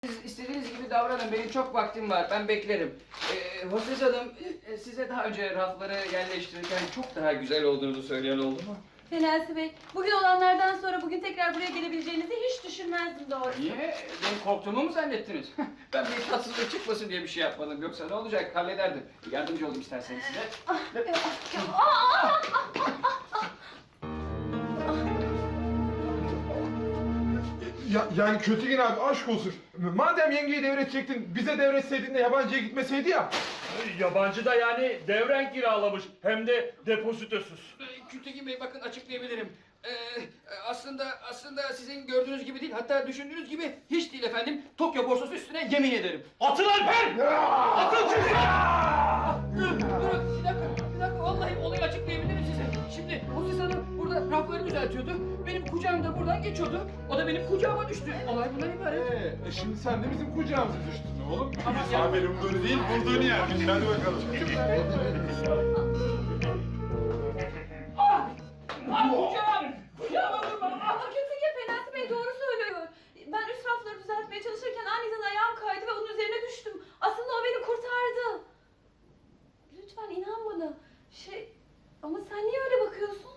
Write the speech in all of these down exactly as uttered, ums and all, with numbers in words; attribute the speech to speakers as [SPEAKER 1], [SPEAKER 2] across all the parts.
[SPEAKER 1] Siz istediğiniz gibi davranın. Benim çok vaktim var. Ben beklerim. Ee, Hostes Hanım, e, size daha önce rafları yerleştirirken çok daha güzel olduğunu söyleyen oldu mu?
[SPEAKER 2] Fenasi Bey, bugün olanlardan sonra bugün tekrar buraya gelebileceğinizi hiç düşünmezdim doğrusu.
[SPEAKER 1] Niye? Benim korktuğumu mu zannettiniz? Ben bir tatsızlık çıkmasın diye bir şey yapmadım. Yoksa ne olacak? Hallederdim. Yardımcı olayım isterseniz size.
[SPEAKER 2] Ah, ah, ah, ah, ah.
[SPEAKER 3] Ya, yani Kötügün abi aşk olsun. Madem yengeyi devredecektin, bize devretseydin de yabancıya gitmeseydi ya.
[SPEAKER 4] Yabancı da yani devren kiralamış hem de depozitosuz.
[SPEAKER 1] Kültekin Bey bakın açıklayabilirim. Ee, aslında aslında sizin gördüğünüz gibi değil, hatta düşündüğünüz gibi hiç değil efendim. Tokyo borsası üstüne yemin ederim.
[SPEAKER 4] Atın Alper! Atın sizi!
[SPEAKER 1] Durun, durun, bir dakika, bir dakika. Vallahi olayı açıklayabilirim size. Şimdi Hostes Hanım burada rafları düzeltiyordu. Benim kucağım da buradan geçiyordu. O da benim kucağıma düştü. Olay bundan ibaret.
[SPEAKER 3] Ee, e şimdi sen de bizim kucağımıza düştün oğlum.
[SPEAKER 1] Ama
[SPEAKER 3] Biz
[SPEAKER 1] ya-
[SPEAKER 3] haberim böyle değil, bulduğunu yermiş. Hadi bakalım.
[SPEAKER 1] Ah! Ah kucağım! Kucağıma vurma! Ah!
[SPEAKER 2] Kötüge Fenasi Bey doğru söylüyor. Ben üst rafları düzeltmeye çalışırken aniden ayağım kaydı ve onun üzerine düştüm. Aslında o beni kurtardı. Lütfen inan bana. Şey, ama sen niye öyle bakıyorsun?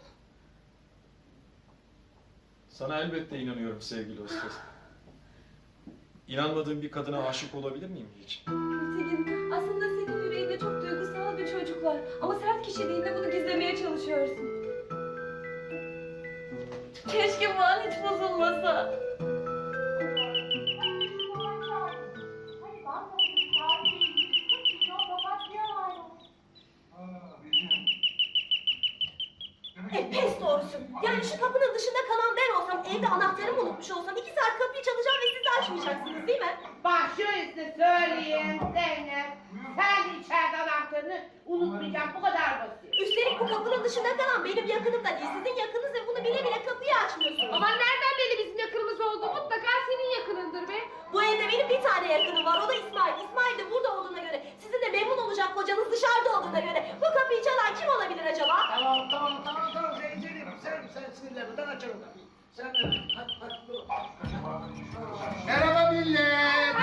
[SPEAKER 5] Sana elbette inanıyorum sevgili Hostes. İnanmadığın bir kadına aşık olabilir miyim hiç?
[SPEAKER 2] Gültekin, aslında senin yüreğinde çok duygusal bir çocuk var. Ama sert kişiliğinde bunu gizlemeye çalışıyorsun. Keşke bu an hiç bozulmasa.
[SPEAKER 6] E pes doğrusu. Yani şu kapının dışında kalan ben olsam, evde anahtarımı unutmuş olsam iki saat kapıyı çalacağım ve siz açmayacaksınız değil mi?
[SPEAKER 7] Bak şöylesine söyleyeyim Zeynep. Sen de içeride anahtarını unutmayacağım. Bu kadar basit.
[SPEAKER 6] Üstelik bu kapının dışında kalan benim yakınım da değil, sizin yakınız ve bunu bile bile kapıyı açmıyorsunuz.
[SPEAKER 7] Ama nereden belli bizim yakınımız oldu? Mutlaka senin yakınındır be.
[SPEAKER 6] Bu evde benim bir tane yakınım var, o da İsmail. İsmail de burada olduğuna göre, sizin de memnun olacak kocanız dışarıda olduğuna göre bu kapıyı çalan kim olabilir acaba?
[SPEAKER 8] Tamam tamam tamam tamam Zeynep sen sen sinirlenme ben açarım kapıyı. Sen de hadi hadi dur. Merhaba millet.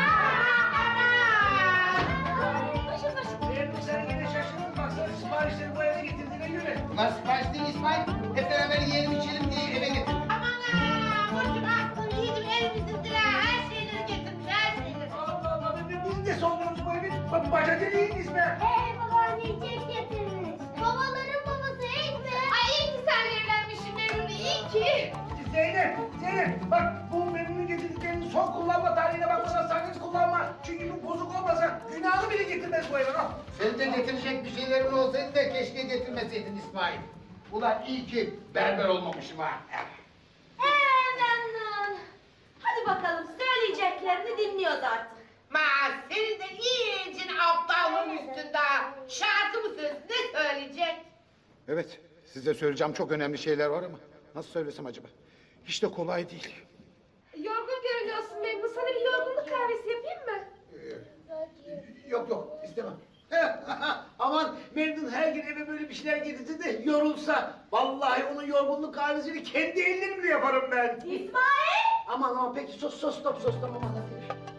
[SPEAKER 6] Başım başım.
[SPEAKER 8] Zeynep sen yine şaşırdın baksana siparişleri bu eve getirdiğine göre.
[SPEAKER 9] Bunlar sipariş değil İsmail. Hep beraber yiyelim içelim diye eve getirdim.
[SPEAKER 7] Aman ha! Burcum aklım yedim elimizdedir ha. Her şeyleri getirmiş her şeyleri.
[SPEAKER 8] Allah Allah be- biz de soldurmuş bu evi. Bak baca deliğiniz be.
[SPEAKER 7] Hey babaanne çek getirmiş. Babaların babası ilk mi? Ay iyi ki senle evlenmişsin Memnun'u iyi ki.
[SPEAKER 8] Zeynep, Zeynep bak bu memnun getirdiklerinin son kullanma tarihine bakmadan sakın kullanma. Çünkü bu bozuk olmasa günahını bile getirmez bu eve. Al.
[SPEAKER 9] Senin de getirecek bir şeylerin olsaydı da keşke getirmeseydin İsmail. Ulan iyi ki berber olmamışım ha.
[SPEAKER 6] Ee memnun. Hadi bakalım, söyleyeceklerini dinliyoruz artık.
[SPEAKER 7] Ma senin de iyice aptallığın üstünde. Şarkı mısın? Ne söyleyecek?
[SPEAKER 9] Evet, size söyleyeceğim çok önemli şeyler var ama nasıl söylesem acaba? Hiç de kolay değil.
[SPEAKER 7] Yorgun görünüyorsun Memnun. Sana bir yorgunluk kahvesi yapayım mı?
[SPEAKER 8] Yok yok istemem. Aman Memnun her gün eve böyle bir şeyler getirse de yorulsa. Vallahi onun yorgunluk kahvesini kendi ellerimle yaparım ben.
[SPEAKER 6] İsmail!
[SPEAKER 8] Aman aman peki sos sos stop sos tamam hadi.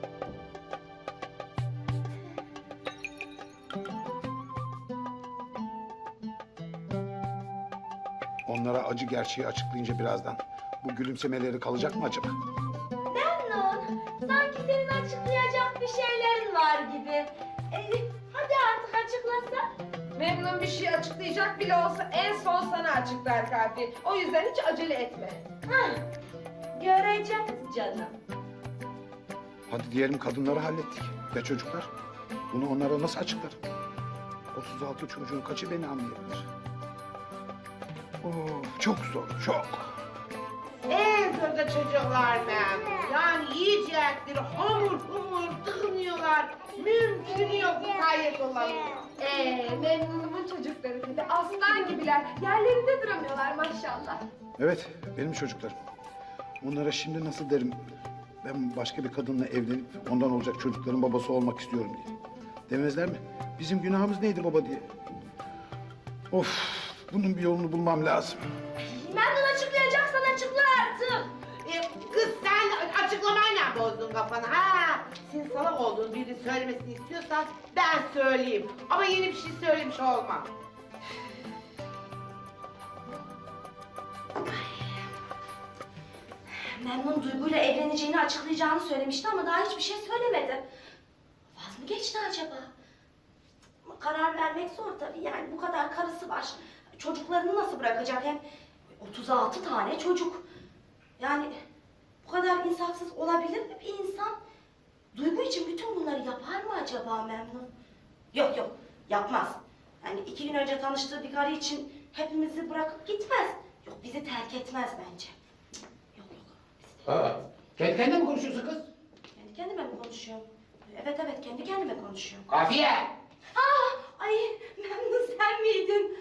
[SPEAKER 9] Onlara acı gerçeği açıklayınca birazdan bu gülümsemeleri kalacak mı acaba?
[SPEAKER 6] Memnun, sanki senin açıklayacak bir şeylerin var gibi. Ee, hadi artık açıklasa.
[SPEAKER 7] Memnun bir şey açıklayacak bile olsa en son sana açıklar Kafi. O yüzden hiç acele etme.
[SPEAKER 6] Hah, göreceğiz canım.
[SPEAKER 9] Hadi diyelim kadınları hallettik. Ya çocuklar? Bunu onlara nasıl açıklarım? otuz altı çocuğun kaçı beni anlayabilir? Oh, çok zor, çok.
[SPEAKER 7] En zorda çocuklar Memnun. Yani yiyecekleri hamur humur tıkınıyorlar. Mümkünü yok mukayyet olamıyor.
[SPEAKER 10] Ee, Memnun'umun çocukları da aslan gibiler. Yerlerinde duramıyorlar maşallah.
[SPEAKER 9] Evet, benim çocuklarım. Onlara şimdi nasıl derim? Ben başka bir kadınla evlenip ondan olacak çocukların babası olmak istiyorum diye. Demezler mi? Bizim günahımız neydi baba diye. Of, bunun bir yolunu bulmam lazım.
[SPEAKER 6] Memnun açıklayacaksan açıkla artık.
[SPEAKER 7] Ee, kız sen açıklamayla bozdun kafanı ha.
[SPEAKER 11] salak olduğunu birinin söylemesini istiyorsan ben söyleyeyim. Ama yeni bir şey söylemiş olmam.
[SPEAKER 6] Memnun Duygu'yla evleneceğini açıklayacağını söylemişti ama daha hiçbir şey söylemedi. Vaz mı geçti acaba? Karar vermek zor tabii, yani bu kadar karısı var. Çocuklarını nasıl bırakacak, hem otuz altı tane çocuk. Yani bu kadar insafsız olabilir mi bir insan? Duygu için bütün bunları yapar mı acaba Memnun? Yok yok, yapmaz. Yani iki gün önce tanıştığı bir karı için hepimizi bırakıp gitmez. Yok, bizi terk etmez bence. Yok yok. bizi terk
[SPEAKER 8] Aa,
[SPEAKER 6] etmez.
[SPEAKER 8] kendi kendine mi konuşuyorsun kız?
[SPEAKER 6] Kendi kendime mi konuşuyorum? Evet evet, kendi kendime konuşuyorum.
[SPEAKER 8] Kafiye!
[SPEAKER 6] Aa, ay Memnun, sen miydin?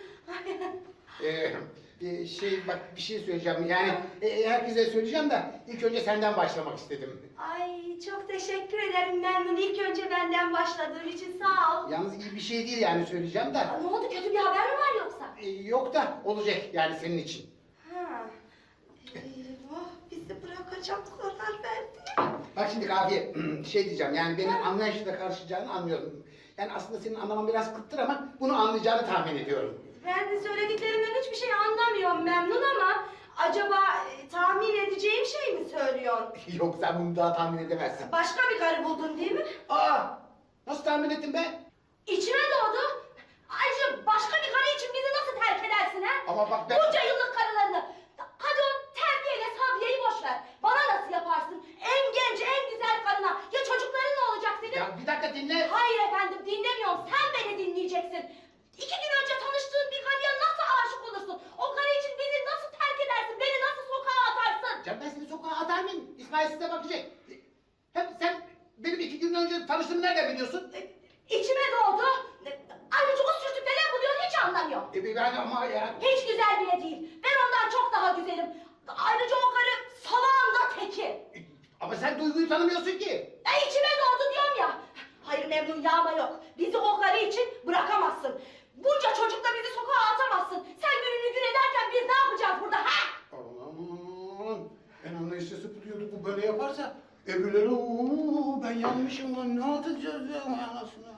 [SPEAKER 9] Ee, e, şey bak bir şey söyleyeceğim yani e, herkese söyleyeceğim de ilk önce senden başlamak istedim.
[SPEAKER 6] Ay çok teşekkür ederim Memnun. İlk önce benden başladığın için sağ ol.
[SPEAKER 9] Yalnız iyi bir şey değil yani söyleyeceğim de.
[SPEAKER 6] Aa, ne oldu, kötü bir haber mi var yoksa?
[SPEAKER 9] E, yok da olacak yani senin için.
[SPEAKER 6] Ha. Eyvah, bizi bırakacak karar verdi.
[SPEAKER 9] Bak şimdi Kafiye şey diyeceğim yani benim anlayışla karşılayacağını anlıyorum. Yani aslında senin anlaman biraz kıttır ama bunu anlayacağını tahmin ediyorum.
[SPEAKER 6] Ben de söylediklerinden hiçbir şey anlamıyorum Memnun ama acaba e, tahmin edeceğim şey mi söylüyorsun?
[SPEAKER 9] Yok sen bunu daha tahmin edemezsin.
[SPEAKER 6] Başka bir karı buldun değil mi?
[SPEAKER 9] Aa nasıl tahmin ettin be?
[SPEAKER 6] İçime doğdu. Ayrıca başka bir karı için bizi nasıl terk edersin ha?
[SPEAKER 9] Ama bak ben...
[SPEAKER 6] Bunca yıllık karılarını. Hadi o terbiyeyle Sabiye'yi boş ver. Bana nasıl yaparsın? En genç, en güzel karına. Ya çocukların ne olacak senin?
[SPEAKER 9] Ya bir dakika dinle.
[SPEAKER 6] Hayır efendim, dinlemiyorum. Sen beni dinleyeceksin. İki gün önce tanıştığın bir karıya nasıl aşık olursun? O karı için bizi nasıl terk edersin? Beni nasıl sokağa atarsın?
[SPEAKER 9] Canım ben seni sokağa atar mıyım? İsmail size bakacak. Hem sen benim iki gün önce tanıştığımı nereden biliyorsun?
[SPEAKER 6] E, İçime doğdu. E, Ayrıca o sürtükte ne buluyorsun hiç anlamıyorum.
[SPEAKER 9] E ben ama ya...
[SPEAKER 6] Hiç güzel bile değil. Ben ondan çok daha güzelim. Ayrıca o karı salağın da teki.
[SPEAKER 9] E, Ama sen Duygu'yu tanımıyorsun ki.
[SPEAKER 6] E içime doğdu diyorum ya. Hayır Memnun, yağma yok. Bizi o karı için bırakamazsın. Bunca çocukla bizi sokağa atamazsın. Sen gününü gün ederken biz ne yapacağız burada ha?
[SPEAKER 9] Aman en anlayışlı sıpılıyordu bu böyle yaparsa. Öbürleri ooo ben yanmışım lan ne atacağız ya anasını.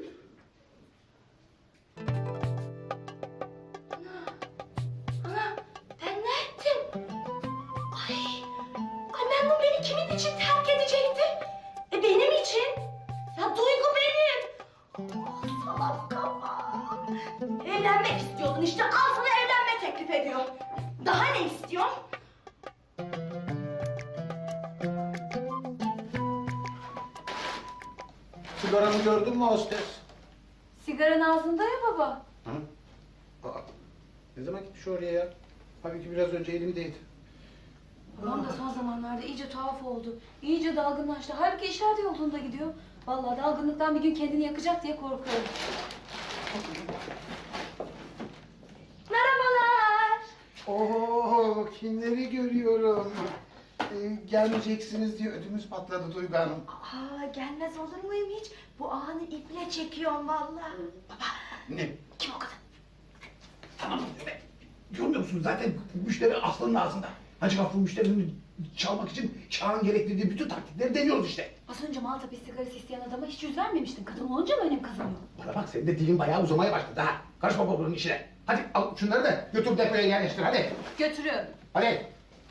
[SPEAKER 6] Ana, ben ne ettim? Ay, ay Memnun beni kimin için terk edecekti? E benim için. Ya Duygu benim. Ah, salak kafa. Evlenmek istiyordun işte, al sana evlenme teklif ediyor. Daha ne istiyorsun?
[SPEAKER 9] Sigaramı gördün mü hostes?
[SPEAKER 2] Sigaran ağzında ya baba.
[SPEAKER 9] Hı? Aa, ne zaman gitmiş oraya ya? Halbuki biraz önce elimdeydi.
[SPEAKER 2] Babam da son zamanlarda iyice tuhaf oldu. İyice dalgınlaştı. Halbuki işler de yolunda gidiyor. Vallahi dalgınlıktan bir gün kendini yakacak diye korkuyorum.
[SPEAKER 6] Merhabalar.
[SPEAKER 9] Oo kimleri görüyorum. Ee, gelmeyeceksiniz diye ödümüz patladı Duygu Hanım.
[SPEAKER 6] Aa, gelmez olur muyum hiç? Bu anı iple çekiyorum vallahi. Baba,
[SPEAKER 9] Ne?
[SPEAKER 6] kim o kadın?
[SPEAKER 8] Tamam, evet. Görmüyor musun zaten müşteri aslanın ağzında. Hacı Gafur müşterinin çalmak için çağın gerektirdiği bütün taktikleri deniyoruz işte.
[SPEAKER 2] Az önce Maltepe sigarası isteyen adama hiç yüz vermemiştin. Kadın olunca mı önem kazanıyor?
[SPEAKER 8] Bana bak senin de dilin bayağı uzamaya başladı ha. Karışma babanın işine. Hadi al şunları da götür depoya yerleştir hadi.
[SPEAKER 2] Götürüyorum.
[SPEAKER 8] Hadi.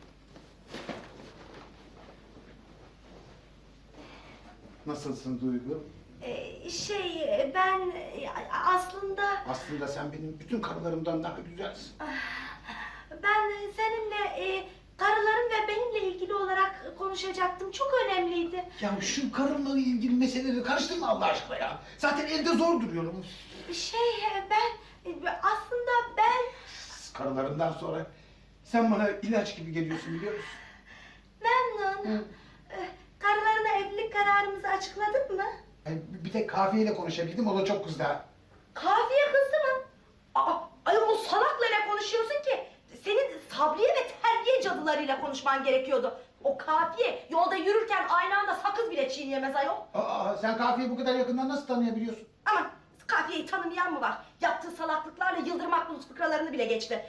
[SPEAKER 9] Nasılsın Duygu?
[SPEAKER 6] Ee, şey, ben e, aslında...
[SPEAKER 9] Aslında sen benim bütün karılarımdan daha güzelsin.
[SPEAKER 6] Ben seninle e, karıların ve benimle ilgili olarak konuşacaktım. Çok önemliydi.
[SPEAKER 8] Ya şu karınla ilgili meseleleri karıştırma Allah aşkına ya. Zaten elde zor duruyorum.
[SPEAKER 6] Şey, e, ben e, aslında ben...
[SPEAKER 9] Karılarından sonra sen bana ilaç gibi geliyorsun biliyor musun?
[SPEAKER 6] Memnun. E, karılarına evlilik kararımızı açıkladın mı?
[SPEAKER 9] Yani bir tek Kafiye'yle konuşabildim o da çok kızdı ha.
[SPEAKER 6] Kafiye kızdı mı? Aa, ay o salakla ne konuşuyorsun ki? Senin Sabriye ve terbiye cadılarıyla konuşman gerekiyordu. O Kafiye yolda yürürken aynı anda sakız bile çiğneyemez ayol.
[SPEAKER 9] Aa, sen Kafiye'yi bu kadar yakından nasıl tanıyabiliyorsun?
[SPEAKER 6] Ama Kafiye'yi tanımayan mı var? Yaptığı salaklıklarla Yıldırım Akbulut fıkralarını bile geçti.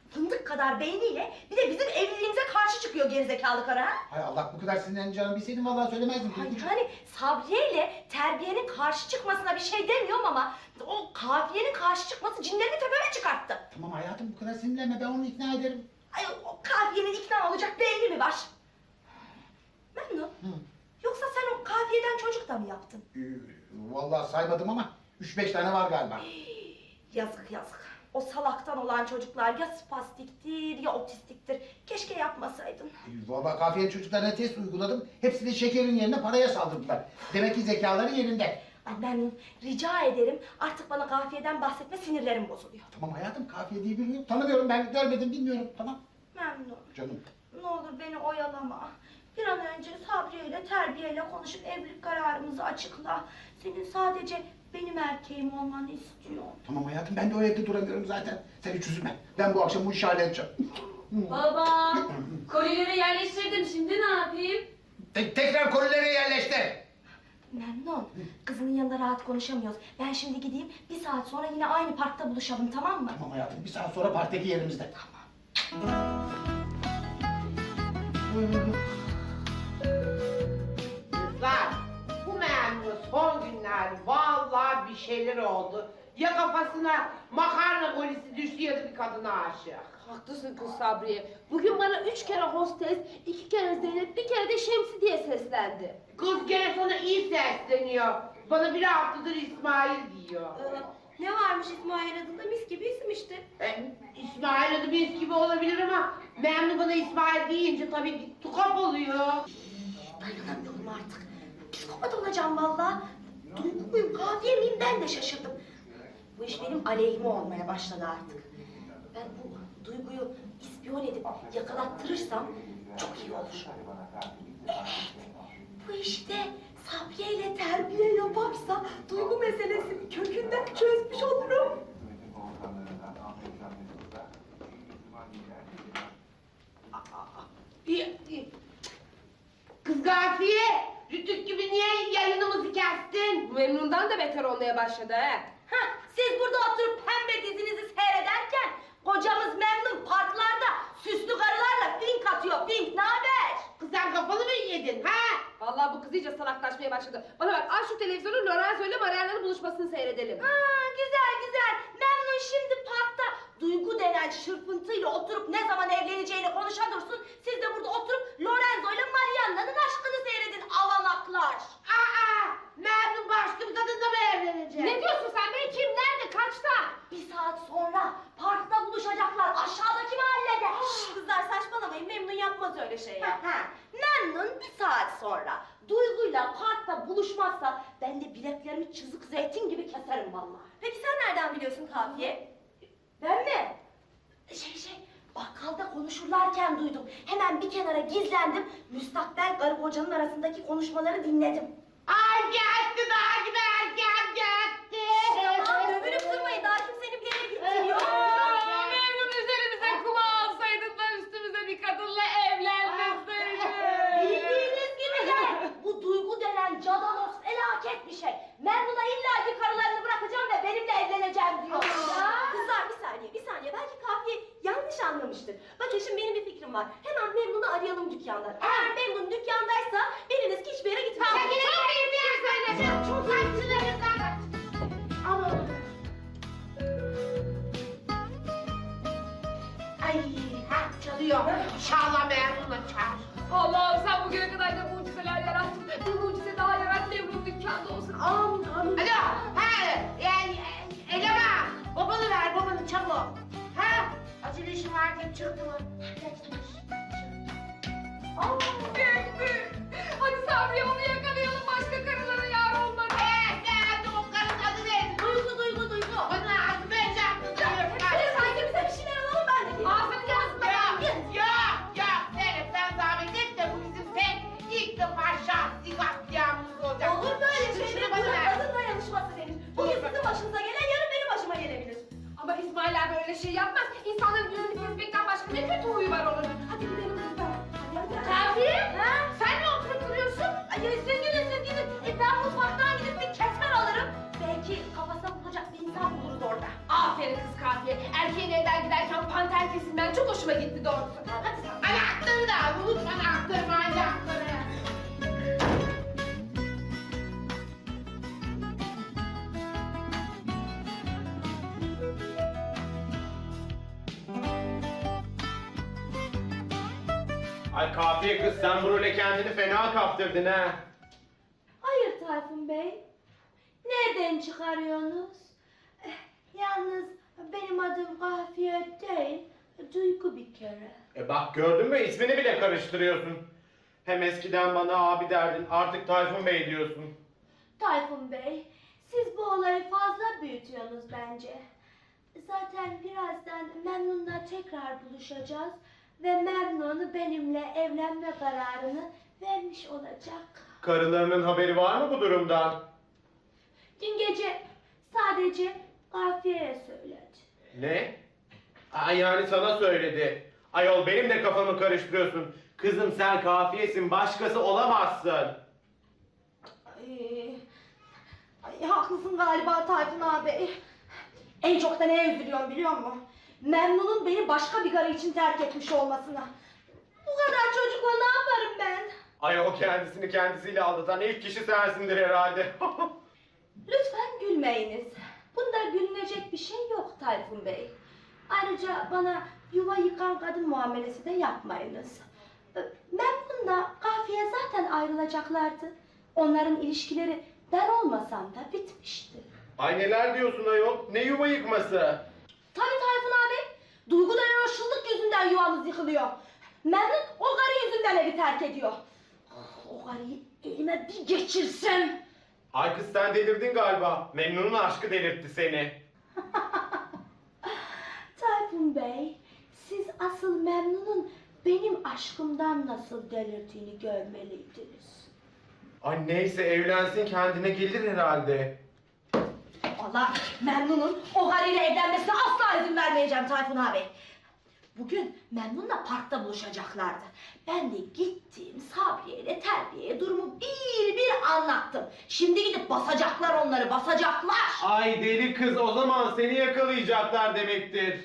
[SPEAKER 6] Fındık kadar beyniyle bir de bizim evliliğimize karşı çıkıyor gerizekalı karı ha?
[SPEAKER 9] Hay Allah, bu kadar sinirleneceğini bilseydim vallahi söylemezdim.
[SPEAKER 6] Ay yani Sabriye ile terbiyenin karşı çıkmasına bir şey demiyorum ama o kafiyenin karşı çıkması cinlerini tepeme çıkarttı.
[SPEAKER 9] Tamam hayatım, bu kadar sinirlenme, ben onu ikna ederim.
[SPEAKER 6] Ay o kafiyenin ikna olacak bir eli mi var? Memnun.
[SPEAKER 9] Hı.
[SPEAKER 6] Yoksa sen o kafiyeden çocuk da mı yaptın?
[SPEAKER 9] Ee, vallahi saymadım ama üç beş tane var galiba.
[SPEAKER 6] Yazık yazık. O salaktan olan çocuklar ya spastiktir ya otistiktir. Keşke yapmasaydın.
[SPEAKER 9] Ee, vallahi kafiyenin çocuklarına test uyguladım. Hepsi de şekerin yerine paraya saldırdılar. Demek ki zekaları yerinde.
[SPEAKER 6] Ay Memnun, rica ederim artık bana kafiyeden bahsetme, sinirlerim bozuluyor.
[SPEAKER 9] Tamam hayatım, kafiye diye birini yok. Tanımıyorum, ben görmedim, bilmiyorum. Tamam.
[SPEAKER 6] Memnun,
[SPEAKER 9] Canım.
[SPEAKER 6] ne olur beni oyalama. Bir an önce Sabriye ile terbiyeyle konuşup evlilik kararımızı açıkla. Senin sadece benim erkeğim olmanı istiyorum.
[SPEAKER 9] Tamam hayatım, ben de o evde duramıyorum zaten. Sen hiç üzülme. Ben bu akşam bu işi halledeceğim.
[SPEAKER 2] Baba, kolileri yerleştirdim. Şimdi ne yapayım?
[SPEAKER 8] Te- tekrar kolileri yerleştir.
[SPEAKER 6] Memnun, kızının yanında rahat konuşamıyoruz. Ben şimdi gideyim, bir saat sonra yine aynı parkta buluşalım, tamam mı?
[SPEAKER 9] Tamam hayatım, bir saat sonra parktaki yerimizde.
[SPEAKER 11] Kızlar, bu memnun son günler vallahi bir şeyler oldu. Ya kafasına makarna golisi düştü ya da bir kadına aşık.
[SPEAKER 10] Haklısın kız Sabriye. Bugün bana üç kere hostes, iki kere Zeynep, bir kere de Şemsi diye seslendi.
[SPEAKER 11] Kız gene sana iyi sesleniyor. Bana bir haftadır İsmail diyor.
[SPEAKER 6] Ee, ne varmış İsmail adında, mis gibi isim işte.
[SPEAKER 11] E, İsmail adı mis gibi olabilir ama memnun bana İsmail deyince tabii bir tukap oluyor.
[SPEAKER 6] Dayanamıyorum artık. Psikopat olacağım vallahi. Duygu muyum, kafiye miyim, ben de şaşırdım. Bu iş benim aleyhime olmaya başladı artık. Ben bu Duygu'yu ispiyon edip yakalattırırsam çok iyi olur. Evet, bu işte Sabriye ile terbiye yaparsa Duygu meselesini kökünden çözmüş olurum.
[SPEAKER 11] Kız Gafiye, Rütük gibi niye yayınımızı kestin?
[SPEAKER 10] Bu Memnun'dan da beter olmaya başladı he.
[SPEAKER 6] Hah, siz burada oturup pembe dizinizi seyrederken kocamız Memnun parklarda süslü karılarla fink atıyor, fink, naber?
[SPEAKER 11] Kız sen kafanı mı yedin ha?
[SPEAKER 10] Vallahi bu kız iyice salaklaşmaya başladı. Bana bak, aç şu televizyonu, Lorenzo ile Mariana'nın buluşmasını seyredelim.
[SPEAKER 6] Aa, güzel güzel. Memnun şimdi parkta Duygu denen şırpıntıyla oturup ne zaman evleneceğini konuşa dursun. Siz de burada oturup Lorenzo ile Marianna'nın aşkını seyredin avanaklar.
[SPEAKER 11] Aa, memnun başka bir kadınla mı evlenecek?
[SPEAKER 10] Ne diyorsun sen be? Kim, nerede, kaçta?
[SPEAKER 6] Bir saat sonra parkta buluşacaklar aşağıdaki mahallede. Şşş, kızlar saçmalamayın, Memnun yapmaz öyle şey ya. Memnun bir saat sonra Duygu'yla parkta buluşmazsa ben de bileklerimi çizik zeytin gibi keserim vallahi. Peki sen nereden biliyorsun kafiye? Ben mi? Şey şey, bakkalda konuşurlarken duydum. Hemen bir kenara gizlendim. Müstakbel karı kocanın arasındaki konuşmaları dinledim.
[SPEAKER 11] Ay geldi daha gibi erken geldi.
[SPEAKER 6] Aman dövünüp durmayın, daha kimsenin bir yere gittiği yok.
[SPEAKER 10] Memnun üzerimize kuma alsaydın da üstümüze bir kadınla evlenmeseydin.
[SPEAKER 6] Bildiğiniz gibi de bu Duygu denen cadalos felaket bir şey. Memnun'a illaki karılarını bırakacağım ve benimle evleneceğim diyor. Kızlar bir saniye, bir saniye. Belki kafiye yanlış anlamıştır. Bakın şimdi benim bir fikrim var. Hemen Memnun'u arayalım dükkanda. Eğer Memnun dükkandaysa biriniz ki hiçbir yere gitmeyin.
[SPEAKER 11] Sen yine bir bir yer söyle. Çok haksızlıklar. Ama... Ay, ha çalıyor. İnşallah memnunla çağır.
[SPEAKER 10] Allah'ım sen bugüne kadar da mucizeler yarattın. Bir mucize daha yarat, Memnun dükkanda olsun. Amin amin.
[SPEAKER 11] Alo, ha, yani eleman, babanı ver, babanı çabuk. Ha, acele işim var diye çıktı mı?
[SPEAKER 10] Aa, geldi. Hadi Sabriye, onu yakalayalım, başka karılara yar olmadı.
[SPEAKER 11] Evet, geldi, o karın adı neydi?
[SPEAKER 6] Duygu, Duygu, Duygu.
[SPEAKER 11] Bana adı vereceğim.
[SPEAKER 6] Hadi sanki bize bir şeyler alalım, ben de geleyim.
[SPEAKER 10] Ağzını yazma.
[SPEAKER 11] Yok, yok, yok, Zeynep sen zahmet et de bu bizim pek ilk defa şahsi katliamımız olacak.
[SPEAKER 6] Olur böyle
[SPEAKER 11] Şunu
[SPEAKER 6] şeyler,
[SPEAKER 11] bana
[SPEAKER 6] buna
[SPEAKER 11] ver.
[SPEAKER 6] kadın dayanışması denir. Bugün sizin başınıza gelen yarın benim başıma gelebilir.
[SPEAKER 10] Ama İsmail abi öyle şey yapmaz. İnsanların yüzünü kesmekten başka ne kötü huyu var onun. Hadi gidelim kızlar.
[SPEAKER 6] Hadi hadi.
[SPEAKER 10] Kafiye,
[SPEAKER 6] Ha?
[SPEAKER 10] sen ne oturup duruyorsun?
[SPEAKER 6] Ay, senin
[SPEAKER 10] herkesin. Ben çok hoşuma gitti doğrusu. Hadi sen.
[SPEAKER 11] Anahtarı da al, unutma anahtarı, manyakları.
[SPEAKER 12] Ay kafiye kız sen bu role kendini fena kaptırdın ha.
[SPEAKER 6] Hayır Tayfun Bey. Nereden çıkarıyorsunuz? Eh, Yalnız benim adım Kafiye değil, Duygu bir kere.
[SPEAKER 12] E bak gördün mü ismini bile karıştırıyorsun. Hem eskiden bana abi derdin artık Tayfun Bey diyorsun.
[SPEAKER 6] Tayfun Bey, siz bu olayı fazla büyütüyorsunuz bence. Zaten birazdan Memnun'la tekrar buluşacağız ve Memnun benimle evlenme kararını vermiş olacak.
[SPEAKER 12] Karılarının haberi var mı bu durumdan?
[SPEAKER 6] Dün gece sadece Kafiye'ye söyledi.
[SPEAKER 12] Ne? Aa, yani sana söyledi. Ayol benim de kafamı karıştırıyorsun. Kızım sen kafiyesin başkası olamazsın.
[SPEAKER 6] Ay, ay, haklısın galiba Tayfun abi. En çok da neye üzülüyorum biliyor musun? Memnun'un beni başka bir karı için terk etmiş olmasına. Bu kadar çocukla ne yaparım ben?
[SPEAKER 12] Ayol kendisini kendisiyle aldatan ilk kişi sensindir herhalde.
[SPEAKER 6] Lütfen gülmeyiniz. Bunda gülünecek bir şey yok Tayfun Bey. Ayrıca bana yuva yıkan kadın muamelesi de yapmayınız. Memnun'la Kafiye zaten ayrılacaklardı. Onların ilişkileri ben olmasam da bitmişti.
[SPEAKER 12] Ay neler diyorsun ayol? Ne yuva yıkması?
[SPEAKER 6] Tabii Tayfun abi. Duygu denen o şıllık yüzünden yuvamız yıkılıyor. Memnun o karı yüzünden evi terk ediyor. O karıyı elime bir geçirsem.
[SPEAKER 12] Ay kız sen delirdin galiba. Memnun'un aşkı delirtti seni.
[SPEAKER 6] Tayfun Bey, siz asıl Memnun'un benim aşkımdan nasıl delirdiğini görmeliydiniz.
[SPEAKER 12] Ay neyse evlensin kendine gelir herhalde.
[SPEAKER 6] Vallahi Memnun'un o karıyla evlenmesine asla izin vermeyeceğim Tayfun abi. Bugün Memnun'la parkta buluşacaklardı. Ben de gittim Sabriye ile Terbiye'ye durumu bir bir anlattım. Şimdi gidip basacaklar onları, basacaklar.
[SPEAKER 12] Ay deli kız o zaman seni yakalayacaklar demektir.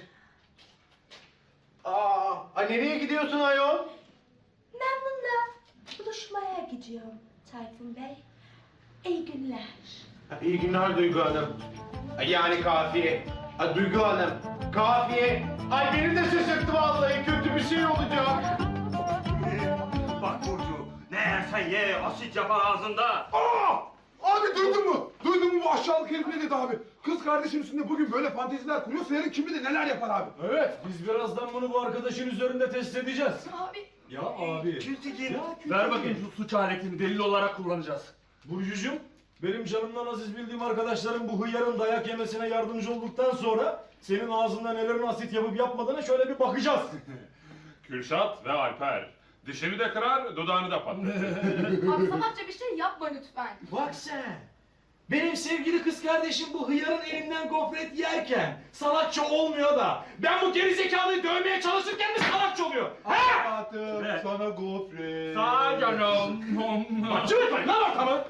[SPEAKER 12] Aa, ay nereye gidiyorsun ayol?
[SPEAKER 6] Memnun'la buluşmaya gidiyorum Tayfun Bey. İyi günler.
[SPEAKER 12] İyi günler Duygu Hanım. Ay, Yani kafiye. Ay Duygu Hanım. Kafiye. Ay beni de şaşırttı vallahi kötü bir şey olacak.
[SPEAKER 4] Bak Burcu, ne yersen ye, asit yapar ağzında.
[SPEAKER 3] Aa! Abi duydun mu? Duydun mu bu aşağılık herif ne dedi abi? Kız kardeşim üstünde bugün böyle fanteziler kuruyorsa yarın kim bilir neler yapar abi.
[SPEAKER 5] Evet, biz birazdan bunu bu arkadaşın üzerinde test edeceğiz.
[SPEAKER 1] Abi.
[SPEAKER 5] Ya abi.
[SPEAKER 4] Kültigin, ver bakayım şu suç aletini, delil olarak kullanacağız.
[SPEAKER 5] Burcucuğum, benim canımdan aziz bildiğim arkadaşlarım bu hıyarın dayak yemesine yardımcı olduktan sonra senin ağzında nelerin asit yapıp yapmadığına şöyle bir bakacağız.
[SPEAKER 13] Kürşat ve Alper. Dişini de kırar, dudağını da patlatır.
[SPEAKER 2] Abi salakça bir şey yapma lütfen.
[SPEAKER 5] Bak sen. Benim sevgili kız kardeşim bu hıyarın elinden gofret yerken salakça olmuyor da ben bu gerizekalıyı dövmeye çalışırken mi salakça oluyor? Ha?
[SPEAKER 3] Hayatım
[SPEAKER 4] Evet.
[SPEAKER 3] sana gofret.
[SPEAKER 4] Sağ canım.
[SPEAKER 5] Bak çığırtmayın lan ortamı.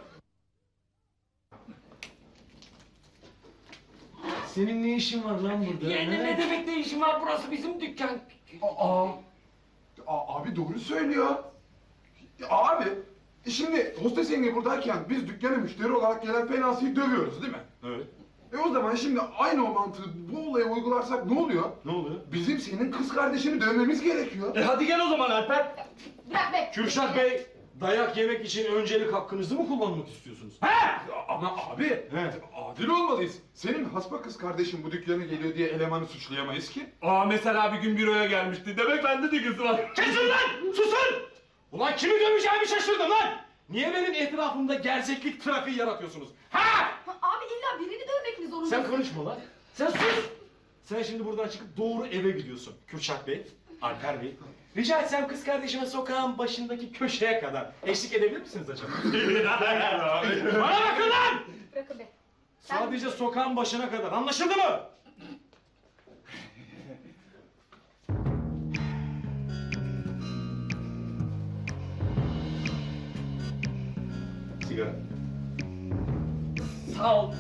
[SPEAKER 5] Senin ne işin var lan burada?
[SPEAKER 1] Yani
[SPEAKER 5] ha?
[SPEAKER 1] ne demek ne işin var, burası bizim dükkan.
[SPEAKER 3] Aa, Aa, abi doğru söylüyor. Ya abi, şimdi hostes yenge buradayken biz dükkana müşteri olarak gelen Fenasi'yi dövüyoruz değil mi?
[SPEAKER 5] Evet.
[SPEAKER 3] E o zaman şimdi aynı o mantığı bu olaya uygularsak ne oluyor?
[SPEAKER 5] Ne oluyor?
[SPEAKER 3] Bizim senin kız kardeşini dövmemiz gerekiyor.
[SPEAKER 5] E hadi gel o zaman Alper.
[SPEAKER 2] Bırak be.
[SPEAKER 5] Kürşat Bey, dayak yemek için öncelik hakkınızı mı kullanmak istiyorsunuz? Ha?
[SPEAKER 3] Ama abi,
[SPEAKER 5] He.
[SPEAKER 3] adil olmalıyız. Senin hasba kız kardeşin bu dükkana geliyor diye elemanı suçlayamayız ki.
[SPEAKER 4] Aa mesela bir gün büroya gelmişti, demek bende de gözü var.
[SPEAKER 5] Kesin lan! Susun! Ulan kimi döveceğimi şaşırdım lan! Niye benim etrafımda gerçeklik trafiği yaratıyorsunuz? Ha!
[SPEAKER 2] Abi illa birini dövmek mi zorundasın?
[SPEAKER 5] Sen konuşma lan. Sen sus! Sen şimdi buradan çıkıp doğru eve gidiyorsun. Kürşat Bey, Alper Bey. Rica etsem kız kardeşime sokağın başındaki köşeye kadar eşlik edebilir misiniz acaba? Bana bakın lan!
[SPEAKER 2] Bırakın be.
[SPEAKER 5] Sadece sokağın başına kadar. Anlaşıldı mı? Sigara.
[SPEAKER 1] Sağ ol.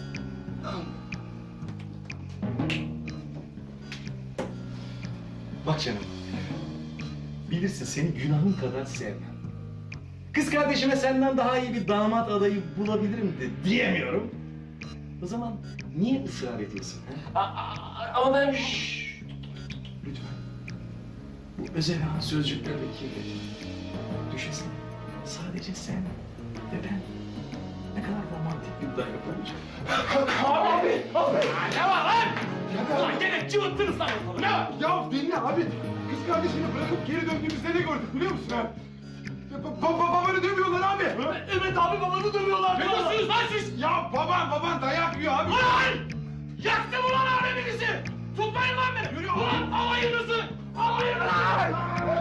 [SPEAKER 5] Bak canım. Bilirsin seni günahın kadar sevmem. Kız kardeşime senden daha iyi bir damat adayı bulabilirim de diyemiyorum. O zaman niye ısrar ediyorsun? Ha?
[SPEAKER 1] Ama ben...
[SPEAKER 5] Lütfen. Bu özel an sözcüklerdeki düşünsene. Sadece sen ve ben. Ne kadar romantik bir dayak olacak.
[SPEAKER 1] Abi! Abi! Ne var lan? Ulan gene cıvıttınız lan ortalığı. Ne var?
[SPEAKER 3] Ya dinle abi. Kız kardeşini bırakıp geri döndüğümüzde ne gördük biliyor musun ha? Ba ba babanı dövüyorlar abi.
[SPEAKER 1] Evet abi babanı dövüyorlar. Ne diyorsunuz lan siz?
[SPEAKER 3] Ya baban baban dayak yiyor abi.
[SPEAKER 1] Ulan! Yaktım ulan aleminizi! Tutmayın lan beni! Yürü ulan alayınızı! Alayınızı!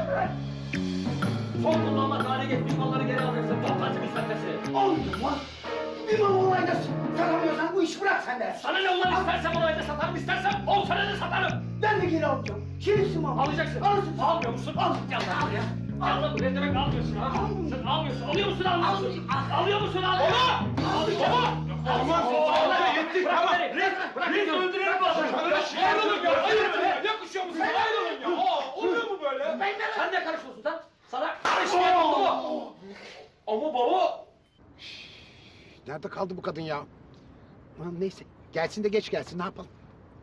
[SPEAKER 1] Son kullanma tarihi geçmiş malları geri alacaksın. Toplantı müsveddesi.
[SPEAKER 8] Olmuyor lan. Bir mal olayda satamıyorsan bu işi bırak sen de.
[SPEAKER 1] Sana ne ulan istersem olayda satarım, istersem on senede satarım.
[SPEAKER 8] Ben de geri alacağım. Kimisi mal?
[SPEAKER 1] Alacaksın.
[SPEAKER 8] Alırsın.
[SPEAKER 1] Almıyor musun? Al. Gel lan buraya. Gel lan buraya demek almıyorsun ha. Sen almıyorsun. Alıyor musun almıyorsun? Alıyor musun almıyor musun? Baba!
[SPEAKER 3] Aman Allah yetti
[SPEAKER 1] Bırak
[SPEAKER 3] tamam.
[SPEAKER 1] beni. Bırak beni öldürelim bu adamı. Ayrılın ya. Ayrılın ya. Yakışıyor musun? Ayrılın ya. Aa, oluyor mu böyle? Sen ne karışıyorsun lan? Sana karışmayan oldu mu? Ama baba.
[SPEAKER 9] Nerede kaldı bu kadın ya? Aman neyse. Gelsin de geç gelsin. Ne yapalım?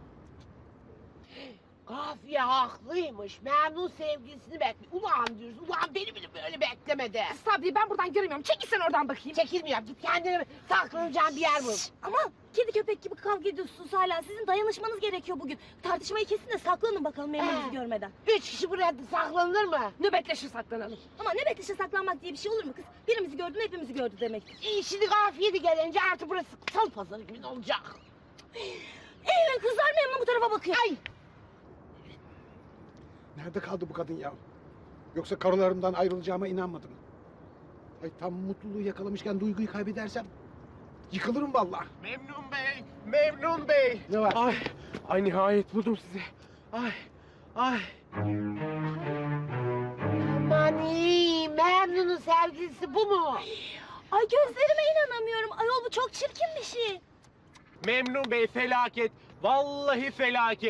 [SPEAKER 11] Kafiye haklıymış. Memnun sevgilisini bekliyor. Ulan diyorsun. Ulan beni bile böyle beklemedi.
[SPEAKER 10] Sabri ben buradan göremiyorum. Çekil sen oradan bakayım.
[SPEAKER 11] Çekilmiyorum. Git kendine saklanacağın bir yer bul.
[SPEAKER 6] Ama kedi köpek gibi kavga ediyorsunuz hala. Sizin dayanışmanız gerekiyor bugün. Tartışmayı kesin de saklanın bakalım Memnun'u
[SPEAKER 11] Ee.
[SPEAKER 6] görmeden.
[SPEAKER 11] Üç kişi buraya saklanır mı?
[SPEAKER 10] Nöbetleşir saklanalım.
[SPEAKER 6] Ama ne bekleşe saklanmak diye bir şey olur mu kız? Birimizi gördün hepimizi gördü demektir.
[SPEAKER 11] İyi şimdi kafiye de gelince artık burası salı pazarı gibi olacak.
[SPEAKER 6] Eyvah kızlar Memnun bu tarafa bakıyor.
[SPEAKER 11] Ay!
[SPEAKER 9] Nerede kaldı bu kadın ya? Yoksa karılarımdan ayrılacağıma inanmadım. Ay tam mutluluğu yakalamışken duyguyu kaybedersem yıkılırım vallahi.
[SPEAKER 12] Memnun Bey, Memnun Bey.
[SPEAKER 9] Ne var?
[SPEAKER 12] Ay, ay nihayet buldum sizi. Ay, ay.
[SPEAKER 11] Aman iyi, Memnun'un sevgilisi bu mu?
[SPEAKER 6] Ay gözlerime inanamıyorum. Ayol bu çok çirkin bir şey.
[SPEAKER 12] Memnun Bey felaket. Vallahi felaket.